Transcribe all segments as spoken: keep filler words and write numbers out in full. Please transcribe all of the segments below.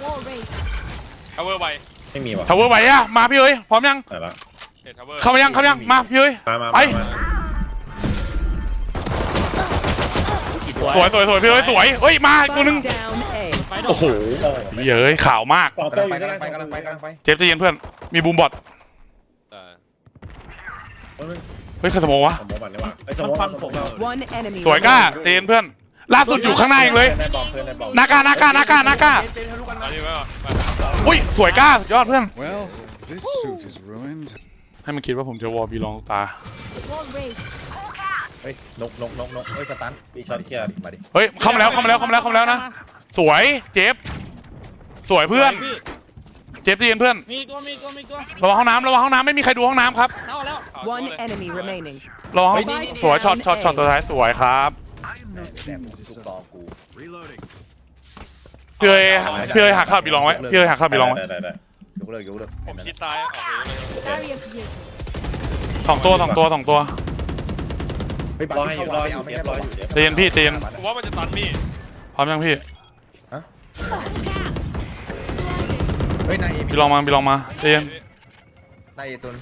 ทาวเวอร์ไวไม่มีว่ะทาวเวอร์ไหวอะมาพี่เอ้ยพร้อมยังเข้ามายังเข้ามายังมาพี่เอ้ยไปสวยสวยสวยพี่เอ้ยสวยเฮ้ยมาอีกตัวนึงโอ้โหเฮ้ยข่าวมากสองตัวอยู่ด้วยกันกำลังไปกำลังไปเจฟจะเย็นเพื่อนมีบูมบอทเฮ้ยใครสมองวะสมองมันเลยว่ะไอ้สมองผมสวยก้าเจนเพื่อนล่าสุดอยู่ข้างหน้าเองเลยนากานากานากานากาอุ้ยสวยก้ายอดเพื่อนให้มันคิดว่าผมจะวอลบีลองตาเฮ้ยนกนกนกนกเฮ้ยสตันปีช็อตเคลียร์มาดิเฮ้ยเข้ามาแล้วเข้ามาแล้วเข้ามาแล้วเข้ามาแล้วนะสวยเจฟสวยเพื่อนเจฟเย็นเพื่อนมีตัวมีตัวมีตัวระวังห้องน้ำระวังห้องน้ำไม่มีใครดูห้องน้ำครับเข้าแล้ว One enemy remaining ระวังสวยช็อตช็อตช็อตตัวท้ายสวยครับพี่เอ๋พี่เอ๋หักข้าวบีลองไว้พี่เอ๋หักข้าวบีลองไว้ยกเลิกยกเลิกผมชิดซ้ายออกเลยสองตัวสองตัวสองตัวรอให้อยู่รออยู่รออยู่เตียนพี่เตียนผมว่ามันจะตันพี่พร้อมยังพี่เฮ้ยนายเอบีลองมาบีลองมาเตียนนายเอตุน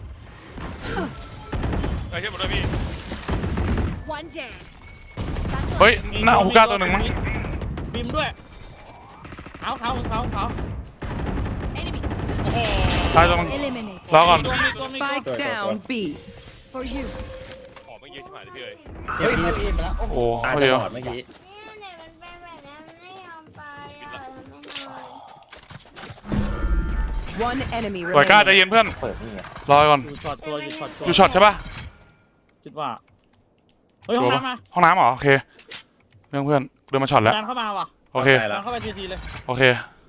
ไอ้เชี่ยหมดเลยพี่เฮ้ยหน้าฮูก้าตัวหนึ่งมั้งบิมด้วยเขาเขาเขาเขาโอ้โหตายตัวนึงรอก่อน Spike down B ขอไม่เยอะชิบหายเลยพี่เอ๋ยเฮ้ยนายเอมาแล้วโอ้โหตายตลอดเมื่อกี้สวยก้าใจเย็นเพื่อนรอก่อนอยู่ช็อตตัวอยู่ช็อตตัวอยู่ช็อตใช่ปะคิดว่าเฮ้ยห้องน้ำมาห้องน้ำเหรอโอเคเพื่อนเพื่อนเดินมาช็อตแล้วดันเข้ามาว่ะโอเคดันเข้าไปทีทีเลยโอเค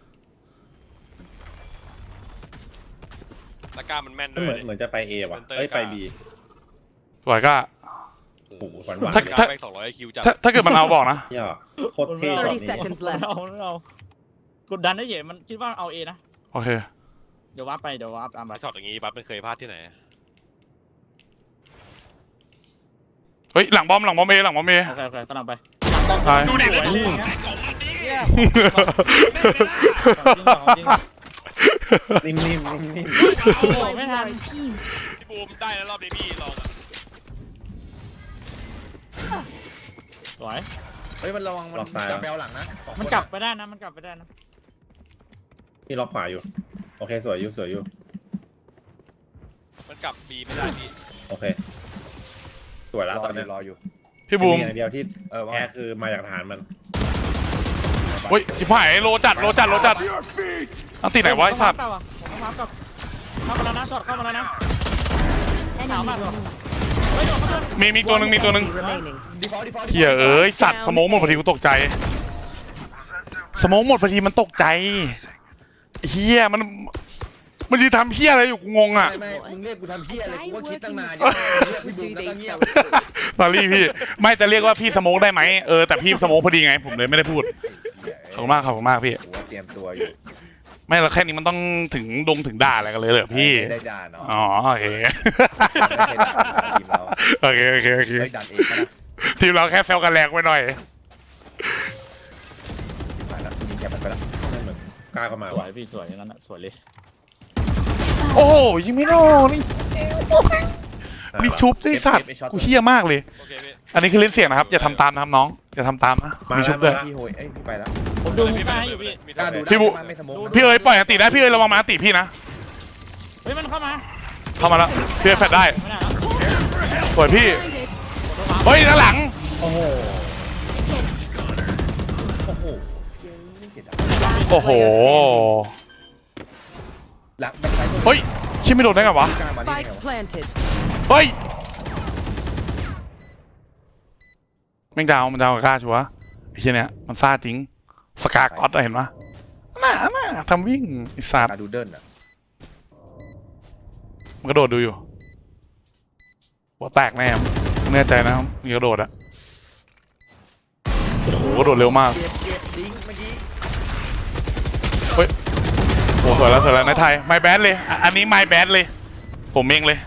ตะกร้ามันแม่นด้วยเหมือนเหมือนจะไปเอว่ะเอ้ยไปบีสวยก้าโอ้โหหวานหวานถ้าถ้าสองร้อยคิวจัดถ้าเกิดมันเอาบอกนะเนี่ยโคตรเท่แบบนี้เอาเอากดดันได้เหยมันคิดว่าเอาเอนะโอเคเดี๋ยววับไปเดี๋ยววับตามไปช็อตอย่างงี้บัฟมันเคยพลาดที่ไหนเฮ้ยหลังบอมหลังบอมเอหลังบอมเอโอเคโอเคตามไปดูดินิ่มนิ่มนิ่มไม่ทันพี่บูมได้แล้วรอบนี้พี่ลองสวยเฮ้ยมันระวังมันจะแบลหลังนะมันกลับไปได้นะมันกลับไปได้นะพี่ล็อกขวาอยู่โอเคสวยอยู่สวยอยู่มันกลับบีไม่ได้พี่โอเคสวยแล้วตอนนี้รออยู่พี่บูมอย่างเดียวที่แพ้คือมาจากฐานมันเฮ้ยจิ๋วหายโลจัดโลจัดโลจัดอันตีไหนวะไอ้สัตว์ผมมากับเข้ามาแล้วนะสอดเข้ามาแล้วนะหนาวมากเลยมีมีตัวหนึ่งมีตัวหนึ่งเฮียเอ้ยสัตว์สมองหมดพอดีกูตกใจสมองหมดพอดีมันตกใจเฮียมันมันจะทำเฮียอะไรอยู่กูงงอ่ะไม่มึงเรียกกูทำเฮียอะไรกูก็คิดตั้งนานสอรี่พี่ไม่จะเรียกว่าพี่สโมกได้ไหมเออแต่พี่สโมกพอดีไงผมเลยไม่ได้พูดขอบคุณมากขอบคุณมากพี่เตรียมตัวอยู่ไม่เราแค่นี้มันต้องถึงดงถึงด่าอะไรกันเลยเหรอพี่ได้ด่าเนาะอ๋อโอเคโอเคโอเคโอเคทีมเราแค่แซวกันแรงไว้หน่อยแกมันไปแล้วกล้าเข้ามาสวยพี่สวยอย่างนั้นสวยเลยโอ้ยิงไม่โดนนี่มีชุบด้วยสัตว์กูเฮี้ยมากเลยอันนี้คือลิ้นเสียงนะครับอย่าทำตามนะครับน้องอย่าทำตามนะมีชุบด้วยพี่โหยเอ้ยพี่ไปแล้วผมดูพี่มาอยู่พี่พี่บุพี่เอ๋ยปล่อยอันติได้พี่เอ๋ยระวังมาอันติพี่นะเฮ้ยมันเข้ามาเข้ามาแล้วพี่เอ๋ยแฟดได้สวยพี่เฮ้ยด้านหลังโอ้โหโอ้โหโอ้โหเฮ้ยชิไม่โดนได้ไงวะเฮ้ยแม่งดาวมันดาวกับกล้าชัวร์ไอ้เชี่ยเนี้ยมันซ่าจริงสกาก๊อตเห็นปะน่าน่าทำวิ่งไอ้สัตว์ดูเดินอ่ะมันกระโดดดูอยู่หัวแตกแน่แน่ใจนะมันกระโดดอะโอ้โหกระโดดเร็วมากเฮ้ยโอ้สวยแล้วสวยแล้วในไทยไมแบดเลยอันนี้ไมแบดเลยผมเองเลย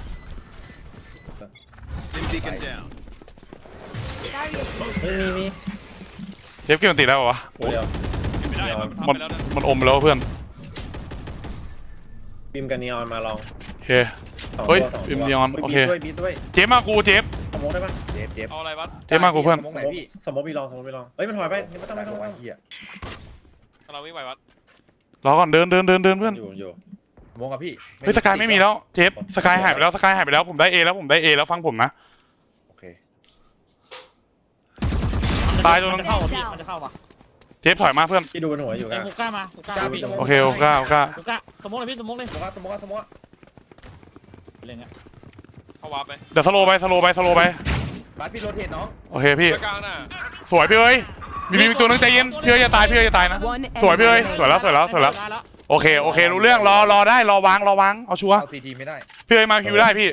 มีมีเชฟเกี่ยวตีได้ปะวะไม่ได้มันมันทำไปแล้วนะมันอมไปแล้วเพื่อนบีมกับนีออนมาลองโอเคสองเฮ้ยตัวสองบีตัวมนีออนโอเคบีด้วยบีด้วยเจ๊มากูเจ๊สมมติได้ปะเจ็บเจ็บเอาอะไรวะเจ๊มากูเพื่อนสมองไหนพี่สมมติบีลองสมมติบีลองเฮ้ยมันถอยไปไม่ต้องไม่ต้องไม่ต้องเฮียเราวิ่งไปวัดรอก่อนเดินเดินเดินเดินเพื่อนอยู่อยู่สมองกับพี่เฮ้ยสกายไม่มีแล้วเจ๊สกายหายไปแล้วสกายหายไปแล้วผมได้เอแล้วผมได้เอแล้วฟังผมนะโอเคตายตัวนึงมันจะเข้าพี่มันจะเข้าว่ะเจ๊ถอยมาเพื่อนที่ดูบนหัวอยู่ไอ้กันฮูก้ามาฮูก้าพี่โอเคโอเคโอเคฮูก้าสมมติเลยพี่สมมติเลยสมองสมองสมองอะไรเงี้ยเข้าวาร์ปไปเดี๋ยวสโลไปสโลไปสโลไปบาสพี่โรเทตน้องโอเคพี่กลางน่ะสวยพี่เอ้ยมีมีตัวนึงใจเย็นพี่เอ้ยอย่าตายพี่เอ้ยอย่าตายนะ One สวยพี่เอ้ย enemy สวยแล้วสวยแล้วสวยแล้วโอเคโอเครู้เรื่องรอรอได้รอวางรอวางเอาชัวร์เอาซีทีไม่ได้พี่เอ้ยมาคิวได้พี่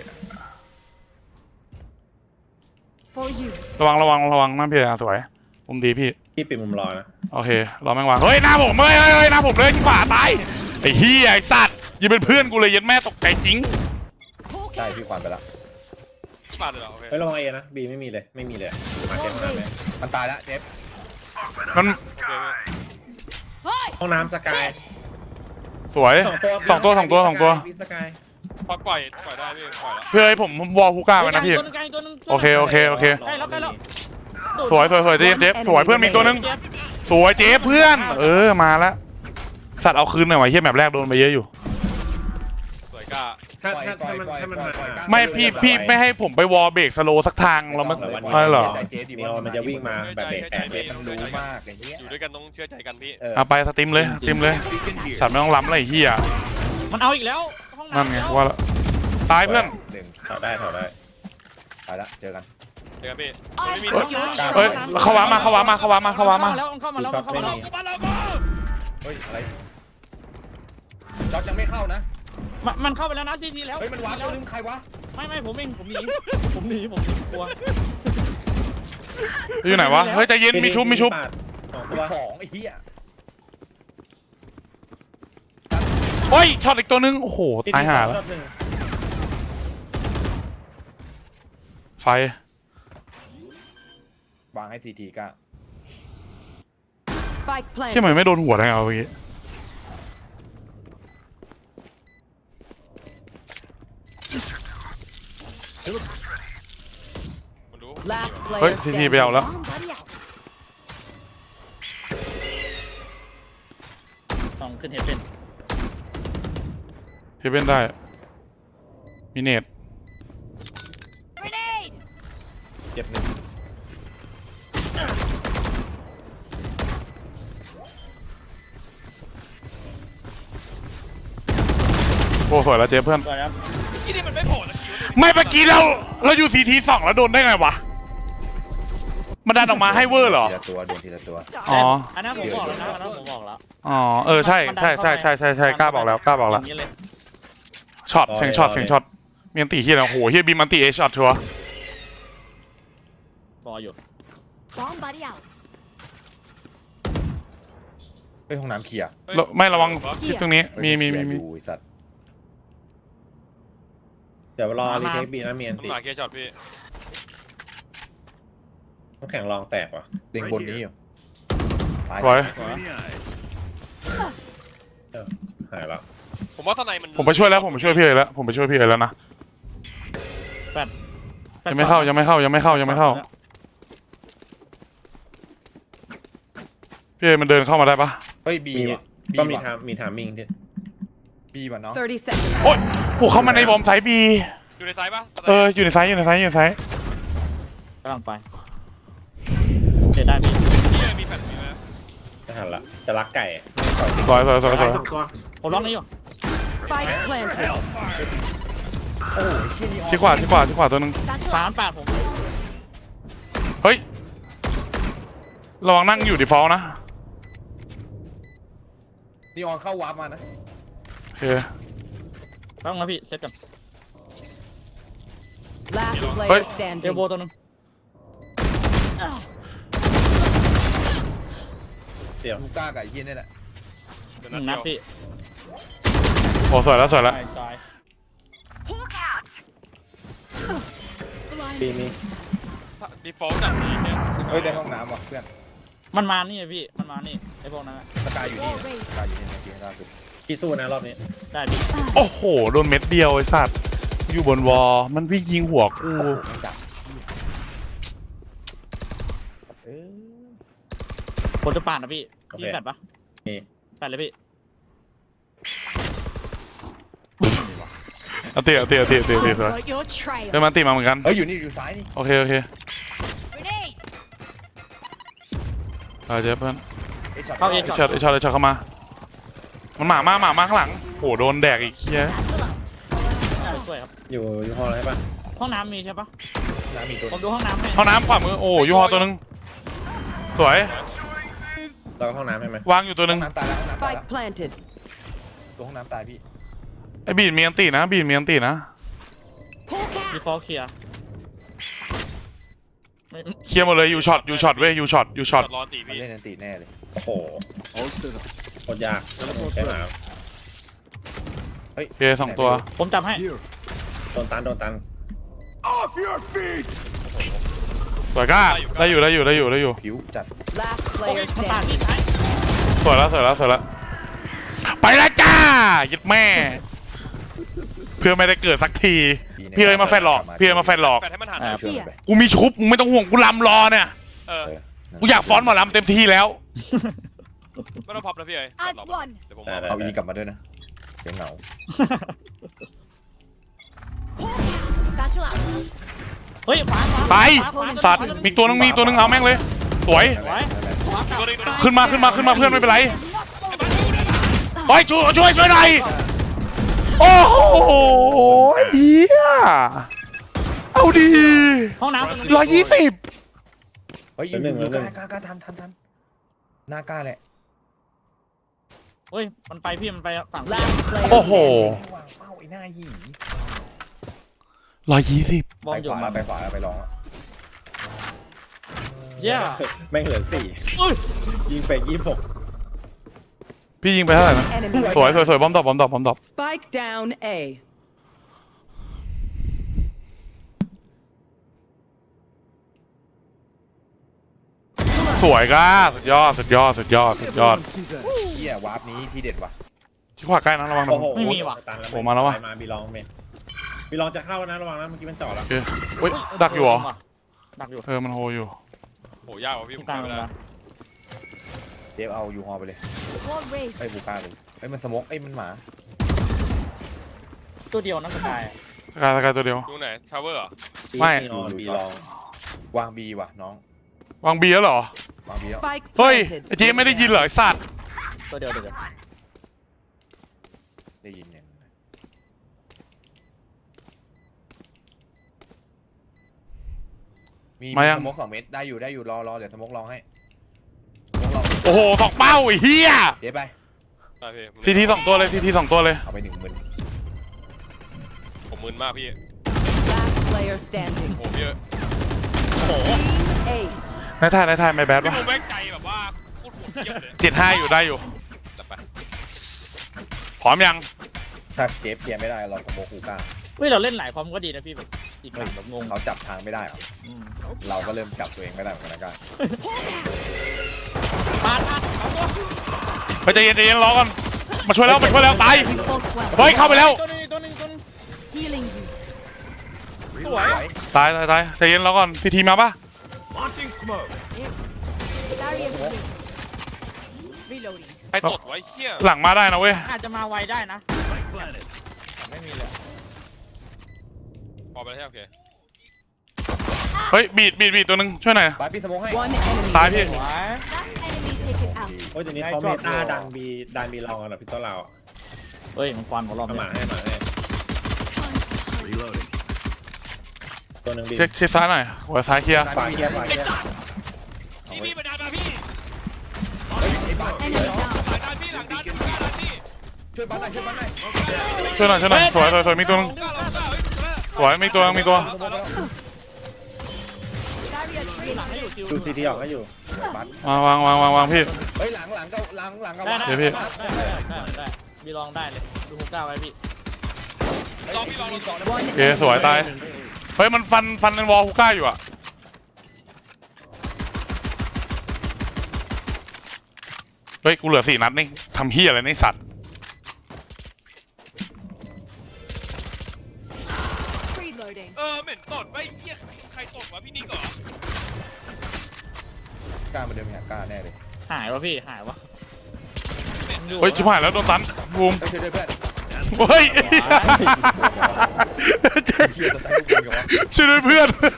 for you. ระวังระวังระวังนั่นพี่สวยมุมดีพี่พี่ปิดมุมรอนะโอเครอแม่งวางเฮ้ยหน้าผมเฮ้ยเฮ้ยเฮ้ยหน้าผมเลยที่ขวาตายไอ้เหี้ยไอ้สัตว์ยังเป็นเพื่อนกูเลยยันแม่ตกใจจริงได้พี่ควันไปละปาดเลยเหรอโอเคเฮ้ยระวังเอนะบีไม่มีเลยไม่มีเลยมาเจ็บห้องน้ำไหมมันตายละเจ็บมันโอเคพี่ห้องน้ำสกายสวยสองตัวสองตัวสองตัวสองตัวมีสกายพอปล่อยปล่อยได้พี่ปล่อยแล้วพี่เอ้ยผมผมวอลฮูก้าไว้นะพี่ตัวนึงตัวนึงโอเคโอเคโอเคใกล้แล้วใกล้แล้วสวยสวยสวยเจ๊เจ๊สวยเพื่อนมีตัวนึงสวยเจ๊เพื่อน เออมาแล้วสัตว์เอาคืนหน่อยวะเฮียแมปแรกโดนไปเยอะอยู่สวยกล้าถ้าถ้าถ้ามันถ้ามันมาไม่พี่พี่ไม่ให้ผมไปวอลเบรกสโลสักทางเราไม่ ไม่หรอเจ็บดีนีออนมันจะวิ่งมาแบบเบรกแตกเจ็บมันรู้มากอย่างเงี้ยอยู่ด้วยกันต้องเชื่อใจกันพี่เอาไปสติมเลยสติมเลย สัตว์ไม่ต้องล้ำอะไรเฮียมันเอาอีกแล้วห้องน้ำนั่นไงว่าละตายเพื่อนหนึ่งถอดได้ถอดได้ตายละเจอกันเจอกันพี่ไม่มีเฮ้ยเข้าวามาเข้าวามาเข้าวามาเข้าวามาแล้วมันเข้ามาแล้วมันเข้ามาแล้วเฮ้ยอะไรจ็อกยังไม่เข้านะมันมันเข้าไปแล้วนะซีทีแล้วเฮ้ยมันวาร์ปตัวนึงใครวะไม่ไม่ผมเองผมหนีผมหนีผมกลัวอยู่ไหนวะเฮ้ยใจเย็นมีชุบมีชุบสองตัวสองไอ้เหี้ยเฮ้ยช็อตอีกตัวนึงโอ้โหตายห่าแล้วไฟวางให้ซีทีก้า Spike เชื่อ planted. ไหมไม่โดนหัวได้ไงเอาเมื่อกี้มันรู้ Last เฮ้ย player ทีทีไปเอา standing. แล้วต้องขึ้นเฮดเป็นเฮเว่นได้มีเนตเจ็บหนึ่งโอ้สวยแล้วเจ๊เพื่อนก่อนครับที่นี่มันไม่โผล่นะคิวไม่เมื่อกี้เราเราอยู่ซีทีสองแล้วโดนได้ไงวะมันดันออกมาให้เวอร์เหรอทีละตัวโดนทีละตัวอ๋ออันนั้นผมบอกแล้วนะอันนั้นผมบอกแล้วอ๋อเออใช่ใช่ใช่ใช่ใช่ใช่กล้าบอกแล้วกล้าบอกแล้วย่างนี้เลยช็อตเสียงช็อตเสียงช็อตมีอันตีเฮียแล้วโหเฮียบีมอันตีเอช็อตชัวร์รออยู่ Bomb buddy out. เฮ้ยห้องน้ำเคลียร์แล้วไม่ระวังทิศตรงนี้มีมีมีมีอยู่ไอ้สัตว์เดี๋ยวรอรีเทคบีนะมีอันมันติหมาเคลียร์ช็อตพี่ต้องแข่งรองแตกว่ะเต็งบนนี้อยู่ตายสวยเออหายแล้วผมว่าทนายมันผมไปช่วยแล้วผมไปช่วยพี่เอ๋แล้วผมไปช่วยพี่เอ๋แล้วนะแปดยังไม่เข้ายังไม่เข้ายังไม่เข้ายังไม่เข้าพี่เอ๋มันเดินเข้ามาได้ปะเฮ้ยบีมีว่ะก็มีว่ะทามมีทามมิ่งที่บีว่ะเนาะ thirty seconds. โอ๊ยโหเข้ามาในบอมไซบีอยู่ในซ้ายปะเอออยู่ในไซส์อยู่ในไซส์อยู่ในไซส์กำลังไปเดี๋ยวได้พี่พี่มีแฟนมีไหมจะหันละจะรักไก่สวยสวยสวยสวยสองตัวผมล็อกนี้อยู่ Spike planted. โอ้ยเชี่ยนี่ออกชิดขวาชิดขวาชิดขวาตัวหนึงสามแปดผมเฮ้ยระวังนั่งอยู่ดีฟอลต์นะนี่ออนเข้าวาร์ปมานะโอเคต้องนะพี่เซตกัน Last Hey. player เจอโบ standing. ตัวหนึงเดี๋ยวลูก้ากับไอ้เหี้ยนี่แหละเดี๋ยวหนึ่งนันัดดเดียวพี่โอ้สวยแล้วสวยแล้วตายตายบีมีดีฟอลต์จัดนี้เนี่ยเฮ้ยได้ห้องน้ำว่ะเพื่อนมันมานี่พี่มันมานี่ไอ้พวกนั้นอะสกายอยู่นี่นะสกายอยู่นี่นะเกียร์ล่าสุดพี่สู้นะรอบนี้ได้พี่โอ้โหโดนเม็ดเดียวไอ้สัตว์อยู่บนวอลมันวิ่งยิงหัวกูโอ้โหไม่จับเออผมจะปาดนะพี่ยิงแฟดปะนี่แฟดเลยพี่เอาเตะเอาเตะเอาเตะเอาเตะเอาเตะ I've got your trail. เฮ้ยมันตีมาเหมือนกันเฮ้ยอยู่นี่อยู่ซ้ายนี่โอเคโอเค Grenade. เอาเจ๊เพื่อนไอ้ช็อตเข้าเอไอช็อตไอช็อตไอช็อตเข้ามามันหมามาหมามาข้างหลังโหโดนแดกอีกเคี้ย Satchel out. ช่วยครับอยู่อยู่ฮอลล์อะไรใช่ปะห้องน้ำมีใช่ปะน้ำมีตัวผมดูห้องน้ำให้ห้องน้ำขวามือโอ้ยูฮอตัวนึงสวยเราก็ห้องน้ำใช่ไหมวางอยู่ตัวนึงห้องน้ำตายแล้วห้องน้ำตายแล้ว Spike planted. ตัวห้องน้ำตายพี่ไอบีดมีอันตีนะบีดมีอันตีนะ Hawk มี out. ฟอลเคลียร์ไม่เคลียร์หมดเลยยูช็อตยูช็อตเว้ยยูช็อตยูช็อตรอตีมันพี่เล่นนันตีแน่เลยโอ้โหโคตรยากใช่ไหมเฮ้ยโอเคสองตัวผมจับให้โดนตันโดนตันสวยก้าได้อยู่ได้อยู่ได้อยู่ได้อยู่ผิวจัด Last โอเค player มันปาด standing. พี่ท้ายสวยแล้วสวยแล้วสวยแล้วไปแล้วจ้ายึดแม่ เพื่อไม่ได้เกิดสักทีพี่เอ้ยมาแฟนหลอกพี่เอ้ยมาแฟนหลอกแฟนให้มันหันช่วยมันไปกูมีชุบมึงไม่ต้องห่วงกูลำรอเนี่ยเออเออกูอยากฟ้อนหมอลำเต็มที่แล้วไม่ต้องพับนะพี่เอ้ย As one. เดี๋ยวผมได้เอาได้เอาอีกลับมาด้วยนะเดี๋ยวเหงา Satchel out. เฮ้ยขวาขวาไปขวาขวาสัตว์มีตัวนึงมีตัวนึงเอาแม่งเลยสวยไว้ขวาตัวนี้ตัวนี้ขึ้นมาขึ้นมาขึ้นมาเพื่อนไม่เป็นไรไปช่วยช่วยช่วยหน่อยโอ้โหเฮียเอาดีห้องน้ำร้อยยี่สิบเฮ้ยอยู่อยู่กล้ากล้ากล้าทันทันทันหน้ากล้าแหละเฮ้ยมันไปพี่มันไปฝั่ง Last player โอ้โห standing. วางเป้าไอ้หน้าหยีร้อยยี่สิบบอไปมอยู่ขวาไปขวาไปลองเย้แม่งเหลือสี่อุ้ยยิงไปยี่สิบหกพี่ยิงไปเท่าไหร่นะ Enemy. สวยสวยสวยบอมดรอปบอมดรอปบอมดรอป Spike down A. สวยก้าสุดยอดสุดยอดสุดยอดสุดยอดเฮียวาร์ปนี้ที่เด็ดว่ะที่ขวาใกล้นะระวังนะโอ้โหไม่มีว่ะตันแล้วโอ้มาแล้วว่ะไปมาบีลองเมนบีลองจะเข้าแล้วนะระวังนะเมื่อกี้มันจ่อแล้วโอเคเฮ้ยดักอยู่เหรอดักอยู่เออมันโฮอยู่โหยากกว่าพี่ผที่มกลางไปเลยแล้วนะเดฟเอายูฮอลไปเลย Wall raised. ไอ้บูก้าเลยไอ้มันสโมกไอ้มันหมาตัวเดียวนะสกายสกายสกายตัวเดียวดูไหนชาวเวอร์เหรอไม่บีลองบีลองวางบีว่ะน้องวางบีแล้วเหรอวางบีแล้ว Spike เฮ้ย planted. ไอ้เจ๊ไม่ได้ยินเหรอไอ้สัตว์ตัวเดียวตัวเดียวได้ยินยังมีสโมกสองเม็ดได้อยู่ได้อยู่รอรอเดี๋ยวสโมกลองให้สโมกลองโอ้โหสองเป้าไอ้เหี้ยเดี๋ยวไปได้พี่ซีทีสองตัวเลยซีทีสองตัวเลยเอาไปหนึ่งหมื่นผมมึนมากพี่ Last player standing. โหพี่เอ้ย Ace. ในไทยในไทยไม่แบดพี่วะผมแม่งใจแบบว่าโคตรโหดเยี่ยมเลยเจ็ดห้าอยู่ได้อยู่จัดไปพร้อมยังถ้าเจฟเคลียร์ไม่ได้เราสโมกบูก้าเฮ้ยเราเล่นหลายความก็ดีนะพี่แบบอีกฝั่งแบบงงเขาจับทางไม่ได้เหรออืมเราก็เริ่มจับตัวเองไม่ได้เหมือนกันนะก้าปาดปาดเอาตัวไปใจเย็นใจเย็นรอก่อนมาช่วยแล้วมาช่วยแล้วตาย Both well. เฮ้ยเข้าไปแล้วตัวนึงตัวนึงตัวนึง Healing you. สวยตายตายตายใจเย็นรอก่อนซีทีมาปะ Barrier raised. Reloading. ใครตดไว้เหี้ยหลังมาได้นะเว้ยอาจจะมาไวได้นะไม่มีเลยพอไปแล้วใช่โอเคเฮ้ยบีดบีดบีดตัวหนึงช่วยหน่อยไปพี่สโมกให้ One enemy. ตายพี่สวย Last enemy taken out. โอ้ยเดี๋ยวนี้เขาเมตาดังบีดันบีลองกันเหรอพี่ต้นเราอะเฮ้ยมันฟันของเราเอาหมาเนี่ยให้หมาให้ตัวหนึ่งบีเช็คเช็คซ้ายหน่อยหัวซ้ายเคลียร์ขวาเคลียร์ขวาเคลียร์พี่พี่มาดันมาพี่ Enemy down. หลังดันพี่หลังดันหลังดันพี่ช่วยบ้านหน่อยช่วยบ้านหน่อยช่วยหน่อยช่วยหน่อยสวยสวยสวยมีตัวหนึงกล้าเรากล้าเฮ้ยสวยมีตัวมีตัว Barrier หลัง raised. ให้อยู่คิวดูซีทีออกก็อยู่บ้านวางวางวางวางวางพี่เฮ้ยหลังหลังก็หลังหลังก็ได้วางได้เดี๋ยวพี่ได้ได้ได้ได้มีลองได้เลยดูฮุกก้าไว้พี่รอพี่รอรอรอโอเคสวยตายเฮ้ยมันฟันฟันในวอลฮูก้าอยู่อะเฮ้ยกูเหลือสี่นัดนี่ทำเฮียอะไรในสัตว์ Reloading. เออเหม็นตดไว้เหี้ยใครตดวะพี่นิกเหรอกล้ามาเดินไปหากล้าแน่เลยหายวะพี่หายวะเฮ้ยชิบหายแล้วโดนตันบูมเฮ้ยช่วยด้วยเพื่อนเฮ้ยเฮียตัวตายทุกคนกันวะช่วยด้วยเพื่อน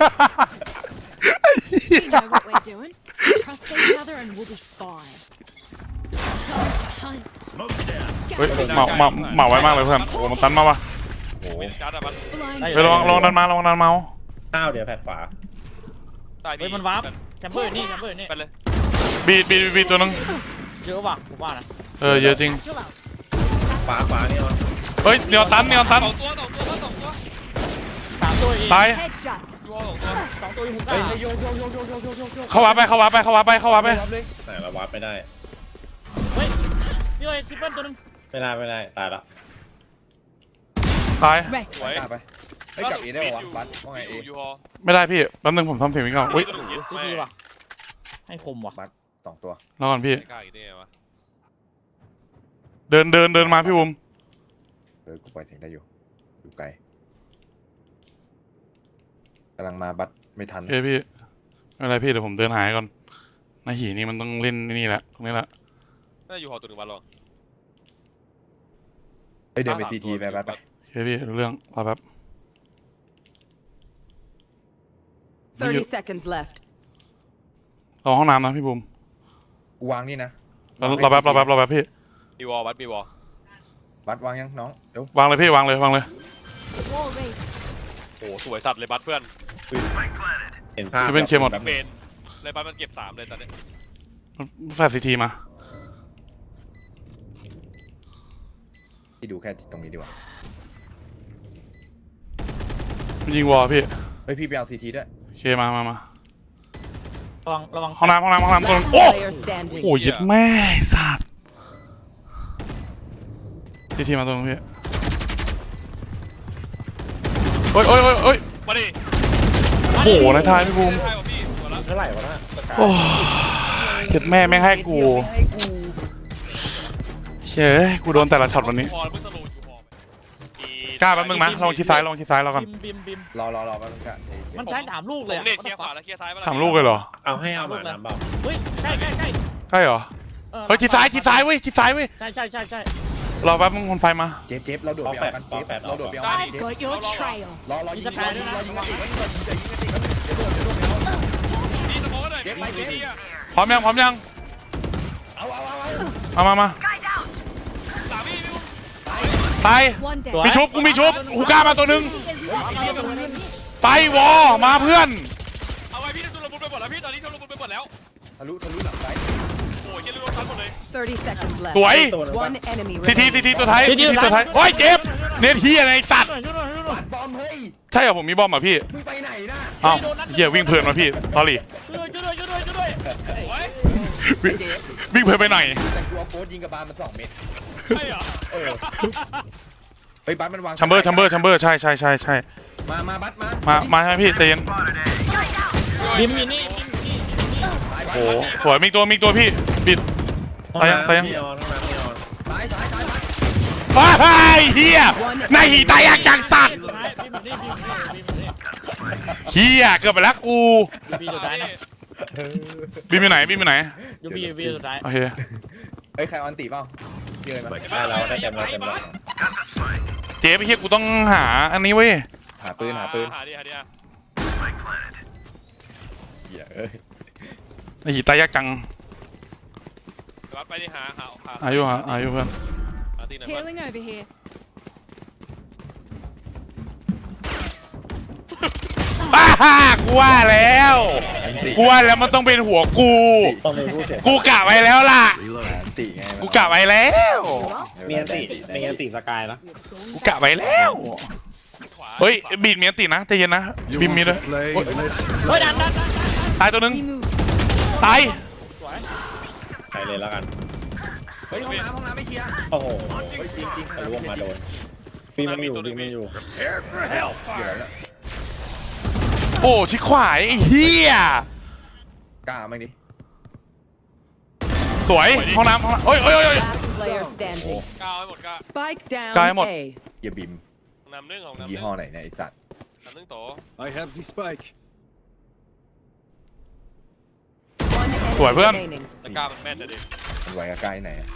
We know what we're doing. Trust each other and we'll be fine. Hunt. เฮ้ยเหมาเหมาเหมาไว้มากเลยเพื่อนโอ้มันตันมากวะโอ้โหจัดอะมัน Blind. ไปลองลองดันมาลองดันเมาข้าวเดี๋ยวแผดขวาตายดีเฮ้ยมันวาร์ปแชมเบอร์นี่แชมเบอร์นี่ไปเลยบีดบีดบีดตัวนึงเยอะว่ะผมว่านะเออเยอะจริง Chill out. ขวาขวานี่วะเฮ้ยเนียวตันเนียวตันสองตัวสองตัวสองตัวสามตัวเองตาย Headshot. ตัวสองตัวสองตัวอยู่หุกเฮ้ยอ่ะโยกโยกโยกโยกโยกโยกโยกโยกเข้าวาไปเข้าวาไปเข้าวาไปเข้าวาไปรับเลยไหนเราวัดไม่ได้เฮ้ยพี่เอ้ยทริปเปิลตัวนึงไม่ได้ไม่ได้ตายละตาย Rest. สวยกล้าไปเฮ้ยกลับเอได้ป่าวะบัสว่าไงเออยู่อยู่ฮอไม่ได้พี่แป๊บนึงผมทำเสียงวิ่งก่อนอุ้ยซีทีว่ะให้คมว่ะบัสสองตัวรอก่อนพี่ไม่กล้าอีกได้ไงวะเดินเดินเดินมาพี่บุมเออกูปล่อยเสียงได้อยู่อยู่ไกลกำลังมาบัสไม่ทันเฮ้ยพี่ไม่เป็นไรพี่เดี๋ยวผมเดินหายก่อนนายหีนี่มันต้องเล่นนี่แหละตรงนี้แหละน่าอยู่หอตัวหนึ่งวันหรอเฮ้ยเดินไปซีทีไปบัสไปโอเคพี่รู้เรื่องรอแป๊บ thirty seconds left. รอห้องน้ำนะพี่บุมกูวางนี่นะรอรอแป๊บรอแป๊บรอแป๊บพี่มีวอลวัดมีวอลบัสวางยังน้องเดี๋ยววางเลยพี่วางเลยวางเลย Wall raised. โอ้สวยสัตว์เลยบัสเพื่อนเห็นภาพจะเป็นเคลียร์หมดแบบเมนเลยบัสมันเก็บสามเลยตอนนี้แฟดซีทีมาที่ดูแค่ตรงนี้ดีกว่ามันยิงวอลพี่เฮ้ยพี่ไปเอาซีทีด้วยโอเคมามามาระวังระวังห้องน้ำห้องน้ำห้องน้ำตัวนึง Last โอ้ player standing. โหยึดแม่สัตว์ซีทีมาตัวนึงพี่โอ้ยโอ้ยโอ้ยโอ้ยมาดิโอ้โหนายทายพี่บุมใช่ป่ะพี่ตัวละเท่าไหร่วะน่ะโอ้ยึดแม่ไม่ให้กูเฮ้ยกูโดนแต่ละช็อตวันนี้ฮอเพิ่งสโลว์อยู่ฮอไปกล้าแป๊บนึงนะลองชิดซ้ายลองชิดซ้ายเราก่อนบิมบิมบิมรอรอรอแป๊บนึงกันเอ้ยมันใช้สามลูกผเลยมอะเน็ตเคลียร์ขวาแล้วเคลียร์ซ้ายสามลูกเลยเหรอเอาให้เอาหมาน้ำเปล่าเฮ้ยใช่ใช่ใช่ใช่เหรอออเฮ้ยชิดซ้ายชิดซ้ายเว้ยชิดซ้ายเว้ยใช่ใช่ใช่ใช่รอแป๊บมึงคนไฟมาเจ็บเจ็บเราโดดไปเอากันเจ็บเราโดดไปเอากัน I've got your trail. รอรอยิงรอยิงรอยิงกันอีกรอยิงกันอีกเดี๋ยวโดดเดี๋ยวโดดเอานี่สโมองเลยเก็บไปเก็บพี่อะพร้อมยังพร้อมยังเอาเอาเอาเอามามามาสามพี่พี่ตาย One dead. มีชุบกูมีชุบหูกล้ามาตัวหนึง Is one. ไปวอมาเพื่อนเอาไว้พี่ทุนระบุไปหมดแล้วพี่ตอนนี้ทุนระบุไปหมดแล้วทะลุทะลุหลังซ้ายโอ้ยเฮียลุงทันหมดเลย thirty seconds สวย left. One enemy ซีที remaining. ซีทีตัวท้ายซีทีตัวท้ายโอ้ยเจ็บเน็ตเฮียอะไรไอ้สัตว์ช่วยหน่อยช่วยหน่อยปัดบอมเฮ้ยใช่เหรอผมมีบอมเหรอพี่มึงไปไหนนะอ้าวเฮียวิ่งเพลินมาพี่ sorry ช่วยด้วยช่วยด้วยช่วยด้วยช่วยด้วยโอ้ยวิ่งวิ่งเพลินไปหน่อยแต่กูเอาโค้ดยิงกับบาลมันสองเม็ดใช่เหรอเออเฮ้ยบัสมันวางชัมเบอร์ชัมเบอร์ชัมเบอร์ใช่ใช่ใช่ใช่มามาบัสมามามาใช่ไหมพี่ใจเย็นบิมอยู่นี่บิมอยู่นี่บิมอยู่นี่โอ้สวยมีตัวมีตัวพี่บิดห้องตายยังน้ำตายยังมีออนห้องน้ำมีออนซ้ายซ้ายซ้ายบัสว้ายเฮียนายหีตายอยากจังสัตว์สุดท้ายบิมอยู่นี่บิมอยู่นี่บิมอยู่นี่เฮียเกือบไปแล้วกูบีสุดท้ายนะบิมอยู่ไหนบิมอยู่ไหนยูบีบีสุดท้ายโอเคเฮ้ยใครออนตีเปล่าเยอะมาได้แล้วได้เต็มแล้วเต็มแล้วเจ๊ไปเฮียกูต้องหาอันนี้เว้ยหาปืนหาปืนหาดิหาดิอ่ะเหี้ยเอ้ยนายหีตายยากจังวัดไปดิหาหาหาอายุฮะอายุเพื่อนหาตีหน่อย Healing over here. ป้าฮ่ากูว่าแล้วกูว่าแล้วมันต้องเป็นหัวกูต้องมีผู้เสียกูกะไว้แล้วล่ะอันตีไงกูกะไว้แล้วมีอันติมีอันติสกายนะกูกะไว้แล้วขวาเฮ้ยบีดมีอันตินะใจเย็นนะบิมมีด้วยเฮ้ยดันดันดันตายตัวหนึง We move. ตายใส่เลยแล้วกันเฮ้ยห้องน้ำห้องน้ำไม่เคลียร์โอ้โหเฮ้ยจริงจริงทะลุออกมาโดนปีมันอยู่ปีมันอยู่เดี๋ยวแล้วโอ้ชิขวายไอ้เหี้ยกล้าไหมดิสวยห้องน้ำห้องน้ำโอ้ยโอ้ยโอ้ย Last player standing. ก้าวให้หมดก้าว Spike down Guy một. A. เฮียบิมนำหนึ่งของนำหยี่นึ่งห้อไหนเนี่ยไอ้สัตว์นำหนึ่งโต I have the spike. One enemy Tuổi Phương. remaining. แต่ก้าวมันแม่นนะดิมันไว้กับใกล้ไหนอะ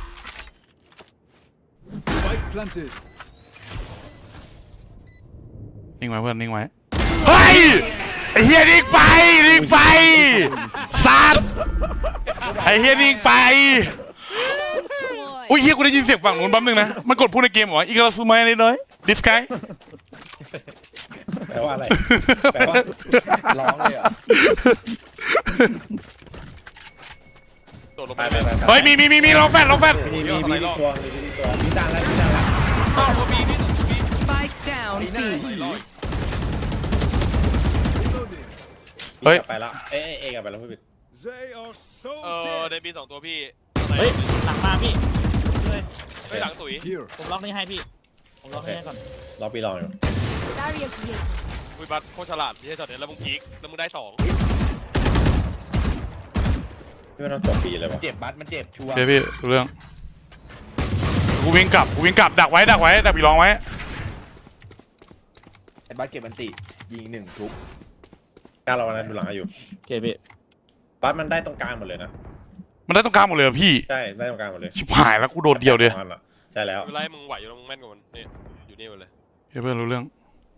Spike planted. นิ่งไว้เพื่อนนิ่งไว้เฮ้ยไอ้เฮียนิ่งไปนิ่งไปสัตว์ไอ้เฮียนิ่งไป Squad. อุ้ยเฮียกูได้ยินเสียงฝั่งนู้นแป๊บนึงนะมันกดพูดในเกมเหรออีกาซูมายนิดหน่อยดิสไกแปลว่าอะไรแปลว่าร้องเลยเหรอ่ะโดดลงไปไปไปเลยไปเฮ้ยมีมีมีมีลองแฟดลองแฟดมีมีมีมีตัวมีมีตัวมีดังแล้วมีดังแล้วเข้าตัวบีพี่ตัวบี Spike down B. เฮ้ยไปแล้วเอ๊ะเอ๊ะกลับไปแล้วพี่บิ๊ก They are so เออได้ dead. บีสองตัวพี่เฮ้ยหลังมาพี่เลยเฮ้ยหลังตุ๋ย Here. ผมล็อกนี่ให้พี่ผมล็อกนี่ให้ก่อนรอปีรออยู่ Barrier created. คุยบัตโคตรฉลาดที่ใช่ช็อตนี้แล้วมึงพีคแล้วมึงได้สองพี่ไม่ต้องจบปีเลยวะเจ็บบัสมันเจ็บชัวร์โอเคพี่รู้เรื่องกูวิ่งกลับกูวิ่งกลับดักไว้ดักไว้ดักปีรองไว้ไอ้บัสเก็บอันติยิงหนึ่งทุบการเราวันนั้นดูหลังให้อยู่โอเคพี่บัสมันได้ตรงกลางหมดเลยนะมันได้ตรงกลางหมดเลยเหรอพี่ใช่ได้ตรงกลางหมดเลยชิบหายแล้วกูโดดเดียวเดียวใช่แล้วเวลามึงไหวอยู่แล้วมึงแม่นกว่ามันนี่อยู่นี่หมดเลยเฮ้ยเพื่อนรู้เรื่อง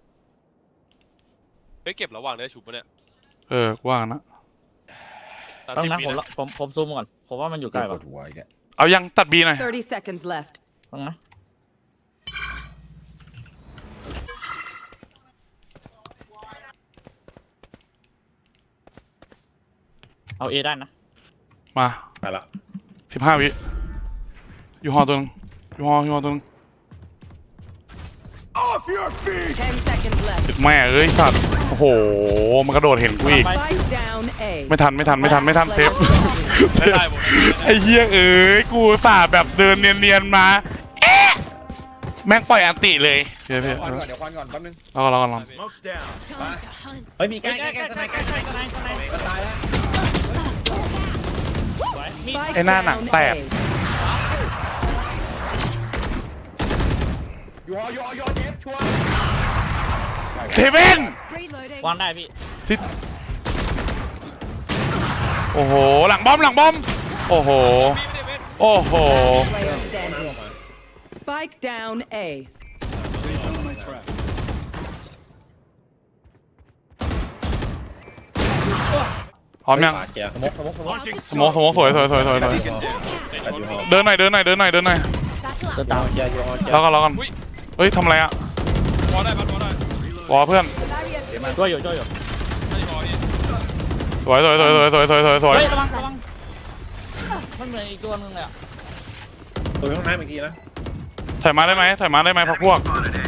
เฮ้ยเก็บระหว่างได้ฉุบปะเนี่ยเออกูว่างั้นนะต้องนะปีผมล็อกผมผมซูมก่อนผมว่ามันอยู่ใกใกล้ล้ปป่ะวดหัวอีกแล้วเอายังตัดบีหน่อย thirty seconds left. ต้องนะเอาเอได้นะมามาละสิบห้าวิอยู่หอตัวนึงอยู่หออยู่หอตัวนึง Off your feet. Ten seconds left. แม่เอ้ยสัตว์โอ้โหมันกระโดดเห็นกูอีก Spike down A. ไม่ทันไม่ทันไม่ทันไม่ทันเซฟได้ได้หมดไอ้เหี้ยเอ้ยกูสาแบบเดินเนียนๆมาเอ๊ะแม่งปล่อยอันติเลยเพี่พี่ควันก่อนเดี๋ยวควันก่อนแป๊บนึงรอก่อนรอก่อนรอก่อน Smoke's down. Time to hunt. เฮ้ยมีใกใกล้ล้ใกใกล้ล้ใกล้ใกล้ใกใกล้ล้ใกล้ใกล้ใกล้ใกล้ก็ตายแล้วมี Spike ไอ้หน้าหนัง down แตก A. อยู่หออยู่หออยู่หอเจ็บชัวร์เซเว่น Reloading. วางได้พี่ทิศโอ้โหหลังบอมหลังบอมโอ้โหพี่ไม่ได้เว้นโอ้โห Player standing. Spike down A. They found my trap. พร้อมยังขวาเกียร์สมกสมกสมก Launching สโมองสโมองสวยสวยสวยสวยสวยในชนเดินหน่อยเดินหน่อยเดินหน่อยเดินหน่อย Satchel เดิน out. ตามเกียร์อยู่หอเกียร์แล้วก็รอกันเฮ้ยทำอะไรอ่ะบอลได้บัตบอลได้วอเพื่อนช่วยอยู่ช่วยอยู่ไม่บอลนี่สวยสวยสวยสวยสวยสวยสวยสวยเฮ้ยระวังระวังมันเหมือนอีกตัวนึงเลยอ่ะตัวห้องน้ำอีกทีนะถอยมาได้ไหมถอยมาได้ไหมพักพวก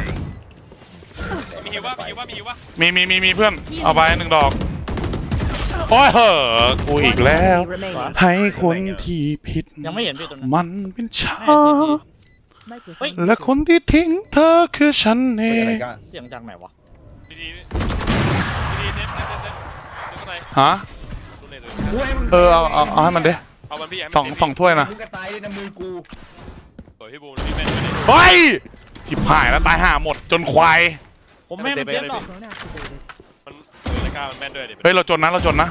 มีฮิวว่ามีฮิวว่ามีฮิวว่ามีมีมีมีเพื่อนเอาไปหนึ่งดอกโอ้ยเหอะกูอีกแล้ว Enemy remaining. ให้คนที่ผิดยังไม่เห็นพี่ตัวนั้นมันเป็นฉันให้ซีที Microphone. และคนที่ทิ้งเธอคือฉันเอเฮ้ยอะไรงกันเสียงจากไหนวะดีดีดีเน็ตเน็ตเน็ตเน็ตดูข้างในฮะดูเน็ตเลยเออเอาเอาเอาให้มันดิเอามันพี่สองสองถ้วยนะมึงก็ตายเลยนะมือกูสวยพี่บูมพี่แม่นไม่ได้เฮ้ยจิบหายแล้วตายห่าหมดจนควายผมไม่ให้มันเจ็บหรอกมันรายการมันแม่นด้วยดิเฮ้ยเราจนนะเราจนนะ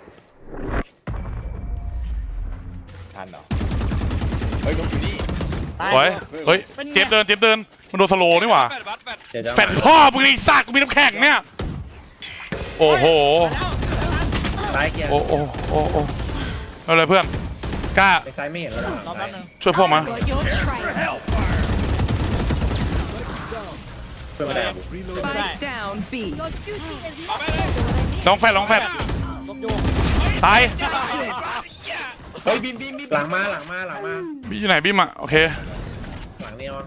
ทันเหรอเฮ้ยนกอยู่นี่ตายเฮ้ยเฮ้ยเจ็บเดินเจ็บเดินมันโดนสโลว์นี่หว่าแฟดบัตแฟดเกียร์จะแฟนพ่อมึงไอ้สัตว์กูมีน้ำแข็งเนี่ยโอ้โหซ้ายเกียร์โอ้โอ้โอ้โอ้เอาเลยเพื่อนกล้าไปซ้ายไม่เห็นแล้วรอแป๊บนึงช่วยพวกมา Got your trail. เพื่อนไม่ได้ Spike down B. Your duty is เอา not ไปเลยลองแฟดลองแฟดลบโยกตายเฮ้ยบินบินบินหลังมาหลังมาหลังมาพี่อยู่ไหนพี่มาโอเคหลังนี่อ๋อ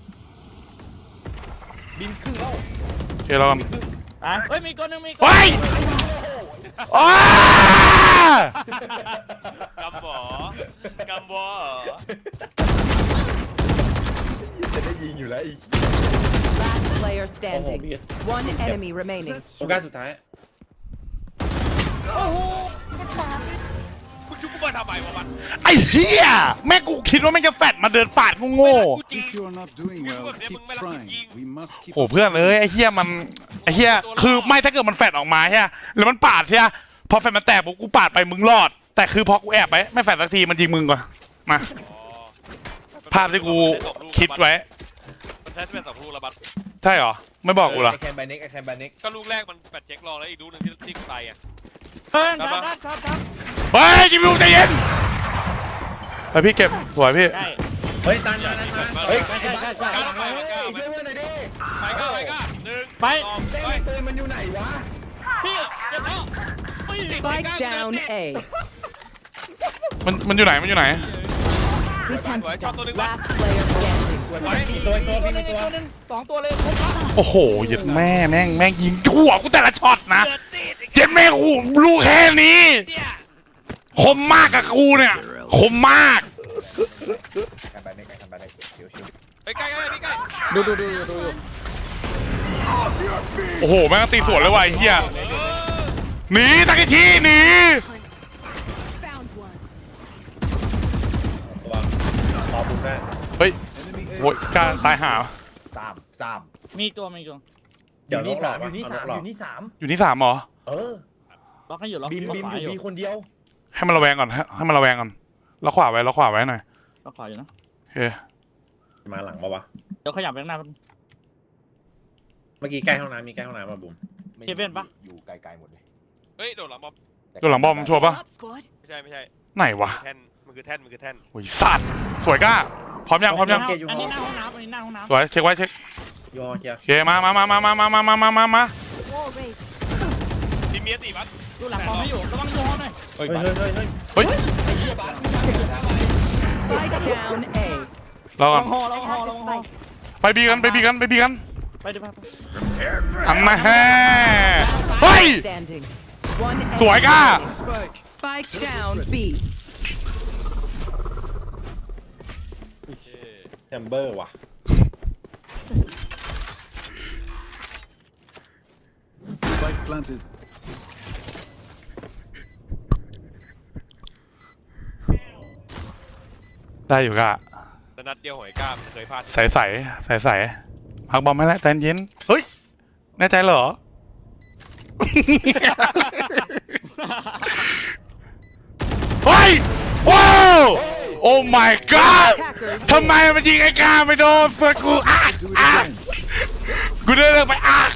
บินครึ่งแล้วโอเคเรากันตายเฮ้ยมีตัวหนึงมีตัวเฮ้ยอ้ากำบอกำบอจะได้ยิงอยู่แล้วอีก Last player โอ้โห standing. พี่ One enemy remaining. โอกาสสุดท้ายมึงทชุบกูมาทำไมวะมันไอ้เหี้ยแม่งกูคิดว่าแม่งจะแฟดมาเดินปาดกูโง่กูจริง If you are not doing well, keep trying. We must keep. โอ้เพื่อนเอ้ยไอ้เหี้ยมันไอ้เหี้ยคือไม่ถ้าเกิดมันแฟดออกมาใช่ไหมแล้วมันปาดใช่ไหมพอแฟดมันแตกปุ๊บกูปาดไปมึงรอด แต่คือพอกูแอบไปไม่แฟดสักทีมันยิงมึงก่อนมาอ๋อภาพที่กูคิดไว้มันใช้เป็นสองลูกแล้วบัสใช่เหรอไม่บอกกูเหรอไอแคนแบนิกไอแคนแบนิกก็ลูกแรกมันแปดเช็ครองแล้วอีกลูกหนึ่งที่ที่กูตายอ่ะเฮ้ยครับครับครับครับเฮ้ยจิมิวใจเย็นไปพี่เก็บสวยพี่ใช่เฮ้ยตันตันตันตันเฮ้ยใช่ใช่ใช่ใช่ก้าวไปเฮ้ยก้าวช่วยเพื่อนหน่อยดิไปก้าวไปก้าวหนึ่งไปสองเต้ไปนปืนมันอยู่ไหนวะพี่เจ็บแล้ว Spike down A. มันมันอยู่ไหนมันอยู่ไหน We tend สวย to ชอบตัวหนึ่งบัส Last player standing. สวยมีตัวอีกตัวตัวพี่หนึมีงตัวตัวหนึงสองตัวเลยครบละโอ้โหเหย็ดแม่แม่งแม่งยิงทั่วกูแต่ละช็อตนะเจ็ดแม่งกูลูกแค่นี้คมมากกับกูเนี่ยคมมากแคนแบนิกไอแคนแบนิกชิวชิวไปใกล้ใกล้พี่ใกล้ดูดูดูดูโอ้โหแม่งตีสวนเลยว่ะไอ้เฮียหนีตะกิชีหนี found one. ตัวขอบุกได้เฮ้ย Enemy โว้ยกล้าตายหาสามสามมีตัวมีตัวเดี๋ยวนี่นี่สาสาม มอยู่นี่สามอยู่นี่สามอยู่ที่สามเหรอเออล็อกให้อยู่ล็อกบีมล็อกบีมขวาอยู่อยู่บีคนเดียวให้มันระแวงก่อนให้ให้มันระแวงก่อนแล้วขวาไว้แล้วขวาไว้หน่อยล็อกขวาอยู่นะโอเคมาหลังปะวะเดี๋ยวขยับไปข้างหน้าเมื่อกี้ใกล้ห้องน้ำมีใกล้ห้องน้ำมาบุ๋มเจเว่นปะอยู่ไกลๆหมดเลยเฮ้ยโดดหลังบอมตัวหลังบอมชัวร์ปะ Up, squad. ไม่ใช่ไม่ใช่ไหนวะแท่นมันคือแท่นมันคือแท่นโอ้ยสัตว์สวยกล้าพร้อมยังพร้อมยังอันนี้หน้าห้องน้ำอันนี้หน้าห้องน้ำสวยเช็คไว้เช็คยอเคลียร์โอเคมามามามามามามามามามามา Wall raised. ทีมเมียตีบัสดูหลังคอไม่อยู่ระวังดูห้องหน่อยเฮ้ยเฮ้ยเฮ้ยเฮ้ยเฮ้ย Spike down A. รอระก่อวัน งหอระวังหอระวังหอไปบีกันไปบีกันไปบีกันไปดิไปไปอันมาแฮ่เฮ้ย Standing. One สวย enemy. ก้า spike. Spike down B. แชมเบอร์ว่ะ Spike planted. ได้อยู่ก้าแต่นัดเดียวหอยก้ามเคยพลาดใสใสใสใสพักบอมไม่แล้วใจเย็นเฮ้ยแน่ใจเหรอ เฮ้ยว้าวโอ้ my god Attackers. ทำไมมันยิงไอ้กาไม่โดนเพื่อนกูอ่ะ Do it อ่ะ again. กูเดินไปอ่ะ